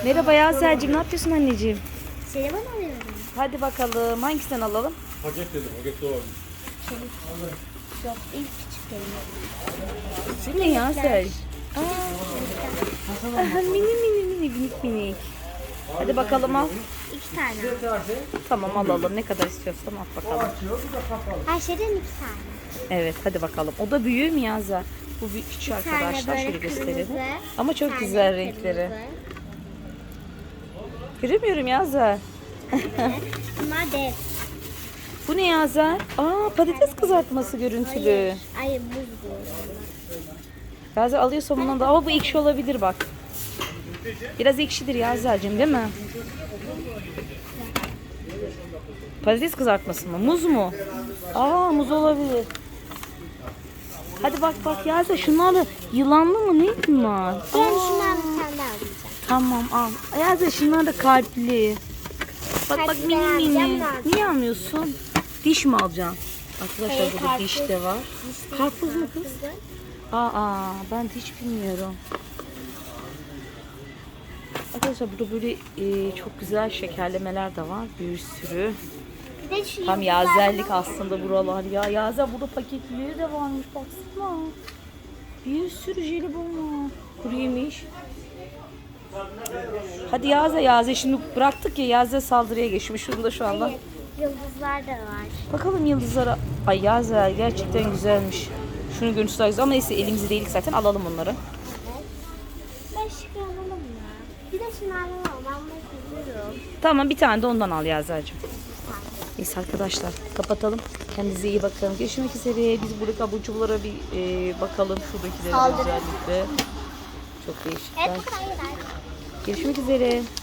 Merhaba Yaser'cim, ne yapıyorsun anneciğim? Seni bana alıyorum. Hadi bakalım, hangisinden alalım? Paket dedim, paket de var. Yok, ilk küçük benim. Bu ne Yaser? Aha, mini mini mini minik minik. Hadi bakalım al. 2 tane. Tamam alalım, ne kadar istiyorsan al bakalım. Her şeyden 2 tane. Evet hadi bakalım. O da büyüğü mü Yaser? Bu bir küçük Bir tane arkadaşlar, böyle şöyle gösterelim. kırmızı, Ama çok bir tane güzel kırmızı. renkleri. Göremiyorum Yaser. Bunlar dev. Bu ne Yaser? Aa, patates kızartması görüntülü. Hayır buz bu. Yaser alıyorsa bundan da, ama bu ekşi olabilir bak. Biraz ekşidir Yazer'cim değil mi? Patates kızartması mı? Muz mu? Aa, muz olabilir. Hadi bak bak Yaser, şunlar da yılanlı mı ne bunlar? Ben şundan bir tane daha alacağım. Tamam al. Yaser şunlar da kalpli. Bak bak Kalpli mini alacağım, mini. ne alacağım? Niye almıyorsun? Diş mi alacaksın? Arkadaşlar Hayır, burada karpuz. diş de var. Karpuz mu kız? Kızı. Aa, ben hiç bilmiyorum. Arkadaşlar burada böyle çok güzel şekerlemeler de var. Bir sürü. Bir de şu Tam yıldızlar yazerlik var. aslında buralar ya. Yazer burada paketleri de varmış baksana. Bir sürü jelibon var. Kuru yemiş. Hadi Yazer şimdi bıraktık ya, Yazer saldırıya geçmiş şurada şu anda. Hayır, yıldızlar da var. Bakalım yıldızlara. Ay Yazer gerçekten güzelmiş. Şunun görüntüsü daha güzel ama neyse elimizde değilik zaten, alalım onları. Evet. Ben şıkkı alalım ya. Bir de şunlardan alalım. Ben bunu seviyorum. Tamam, bir tane de ondan al Yazer'cim. Neyse arkadaşlar kapatalım. Kendinize iyi bakın. Görüşmek üzere. Biz buradaki abur cuburlara bir bakalım. Şuradakilere Saldırı. özellikle. Çok değişik. Evet, bu kadar. Görüşmek üzere.